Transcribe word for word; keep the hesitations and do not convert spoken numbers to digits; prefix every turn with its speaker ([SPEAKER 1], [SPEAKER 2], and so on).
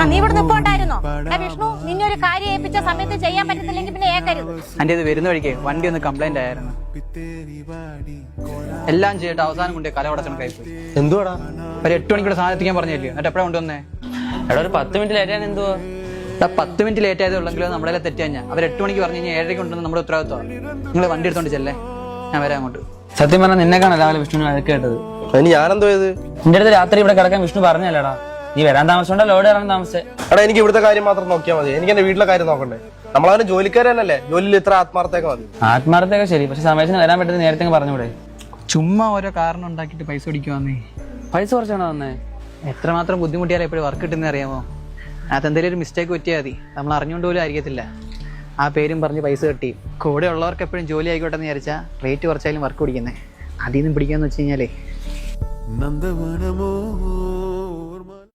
[SPEAKER 1] നീ ഇവിടെ നിപ്പോണ്ടായിരുന്നോ? വിഷ്ണു, നിന്നെ ഒരു കാര്യം ഏൽപ്പിച്ച സമയത്ത് ചെയ്യാൻ പറ്റത്തില്ലെങ്കിൽ പിന്നെ ഏക്കരുത്.
[SPEAKER 2] എന്റെ ഇത് വരുന്ന വഴിക്ക് വണ്ടി ഒന്ന് കംപ്ലൈന്റ് ആയിരുന്നു. എല്ലാം ചെയ്തിട്ട് അവസാനം കൊണ്ട് കല ഉടച്ചണക്കായി പോയി.
[SPEAKER 3] എന്തുവാടാ?
[SPEAKER 2] ഒരു എട്ട് മണിക്കൂടെ സാധനം എത്തിക്കാൻ പറഞ്ഞില്ലേ? എന്നിട്ട് എപ്പോഴാണ് കൊണ്ടുവന്നേ?
[SPEAKER 4] എടാ ഒരു പത്ത് മിനിറ്റ് ലേറ്റ് ആണ്. എന്തുവാ
[SPEAKER 2] പത്ത് മിനിറ്റ് ലേറ്റ് ആയതേ ഉള്ളെങ്കിലും നമ്മളെ തെറ്റാ. ഞാൻ അവർ എട്ട് മണിക്ക് പറഞ്ഞു കഴിഞ്ഞാൽ ഏഴരയ്ക്ക് കൊണ്ടുവന്ന് നമ്മുടെ ഉത്തരവാദിത്വമാണ്. നിങ്ങൾ വണ്ടി എടുത്തോണ്ട് ചെല്ലേ, ഞാൻ വരാം അങ്ങോട്ട്.
[SPEAKER 4] സത്യം പറഞ്ഞാൽ നിന്നെ കാണാൻ രാവിലെ വിഷ്ണുവിനെ വഴക്ക് കേട്ടത്.
[SPEAKER 3] അതിന് ഞാനെന്തോ ചെയ്ത്?
[SPEAKER 4] നിന്റെ അടുത്ത് രാത്രി ഇവിടെ കിടക്കാൻ വിഷ്ണു പറഞ്ഞല്ലേടാ? നീ വരാൻ താമസിച്ചോണ്ടാ ലോഡ് ഇറങ്ങാൻ താമസിച്ചേ.
[SPEAKER 3] എടാ എനിക്ക് ഇവിടുത്തെ കാര്യം മാത്രം നോക്കിയാൽ മതി. എനിക്ക് എന്റെ വീട്ടിലെ കാര്യം നോക്കണ്ടേ? നമ്മളവന് ജോലിക്കാരനല്ലേ, ജോലിയിൽ ഇത്ര ആത്മാർത്ഥയൊക്കെ മതി.
[SPEAKER 4] ആത്മാർത്ഥയൊക്കെ ശരി, പക്ഷെ സമയത്തിന് വരാൻ പറ്റുന്ന നേരത്തെ പറഞ്ഞൂടെ?
[SPEAKER 2] ചുമ്മാ ഓരോ കാരണം ഉണ്ടാക്കിയിട്ട് പൈസ പിടിക്കുവാന്നേ.
[SPEAKER 4] പൈസ കുറച്ചാണോ വന്നേ?
[SPEAKER 2] എത്രമാത്രം ബുദ്ധിമുട്ടിയാലും എപ്പോഴും വർക്ക് കിട്ടുന്ന അറിയാമോ? അത് എന്തെങ്കിലും ഒരു മിസ്റ്റേക്ക് പറ്റിയാൽ മതി, നമ്മൾ അറിഞ്ഞുകൊണ്ട് പോലും ആയിരിക്കത്തില്ല. ആ പേരും പറഞ്ഞ് പൈസ കിട്ടി. കൂടെ ഉള്ളവർക്ക് എപ്പോഴും ജോലി ആയിക്കോട്ടെ എന്ന് വിചാരിച്ചാൽ റേറ്റ് കുറച്ചായാലും വർക്ക് പിടിക്കുന്നത്. അതിൽ നിന്നും പിടിക്കാന്ന് വെച്ച് കഴിഞ്ഞാലേ